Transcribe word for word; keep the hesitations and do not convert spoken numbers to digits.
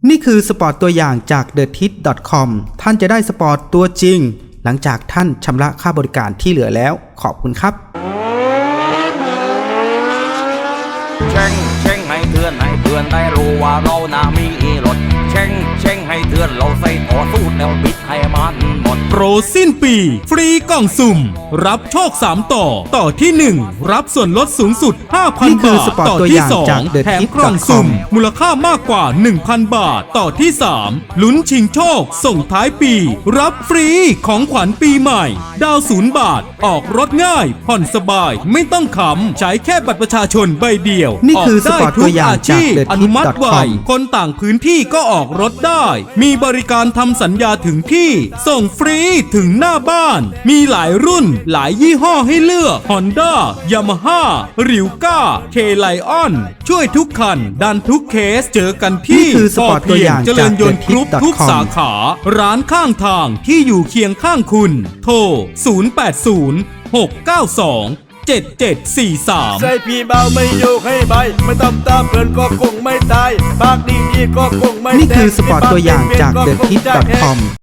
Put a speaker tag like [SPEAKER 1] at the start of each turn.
[SPEAKER 1] นี่คือสปอร์ตตัวอย่างจาก เดอะทิส ดอท คอม ท่านจะได้สปอร์ตตัวจริงหลังจากท่านชำระค่าบริการที่เหลือแล้วขอบคุณครับ
[SPEAKER 2] เช่งเช่งให้เตือนให้เพื่อนได้รู้ว่าเราน่ามีรถเช่งเช่งให้เตือนเราใส่ต่อสู้แนวบิดให้มันหมด
[SPEAKER 3] โปรสิ้นปีฟรีกล่องสุ่มรับโชคสามต่อต่อที่หนึ่งรับส่วนลดสูงสุด ห้าพัน บาทต่อที่สองแถมกล่องสุ่มมูลค่ามากกว่า หนึ่งพัน บาทต่อที่สามลุ้นชิงโชคส่งท้ายปีรับฟรีของขวัญปีใหม่ดาวศูนย์บาทออกรถง่ายผ่อนสบายไม่ต้องขำใช้แค่บัตรประชาชนใบเดียว
[SPEAKER 1] นี่คือสปอร์ตตัวอย่างจาก เดอะ
[SPEAKER 3] อ
[SPEAKER 1] ทิ
[SPEAKER 3] นุ
[SPEAKER 1] ส
[SPEAKER 3] มัติ
[SPEAKER 1] ดอท
[SPEAKER 3] ไว
[SPEAKER 1] คอม
[SPEAKER 3] คนต่างพื้นที่ก็ออกรถได้มีบริการทำสัญญาถึงที่ส่งฟรีถึงหน้าบ้านมีหลายรุ่นหลายยี่ห้อให้เลือก Honda Yamaha ริวก้า เค ไลออน ช่วยทุกคันดันทุกเคสเจอกันที่
[SPEAKER 1] นี่คือสปอร์ตตัวอย่าง
[SPEAKER 3] เจริญยนต์
[SPEAKER 1] จาก
[SPEAKER 3] กรุ๊ป
[SPEAKER 1] เดอะทิส
[SPEAKER 3] ทุก
[SPEAKER 1] ดอท คอม
[SPEAKER 3] สาขาร้านข้างทางที่อยู่เคียงข้างคุณโทรศูนย์ แปด ศูนย์ หก เก้า สอง เจ็ด เจ็ด สี่ สาม
[SPEAKER 4] ใส่พี่เบาไม่โยกให้ใบไม่ตำตามเพื่อนก็คงไม่ตายปากดีอีกก็คงไม่
[SPEAKER 1] นี่คือสปอร์ตตัวอย่างจาก เดอะ ทิส ดอท คอม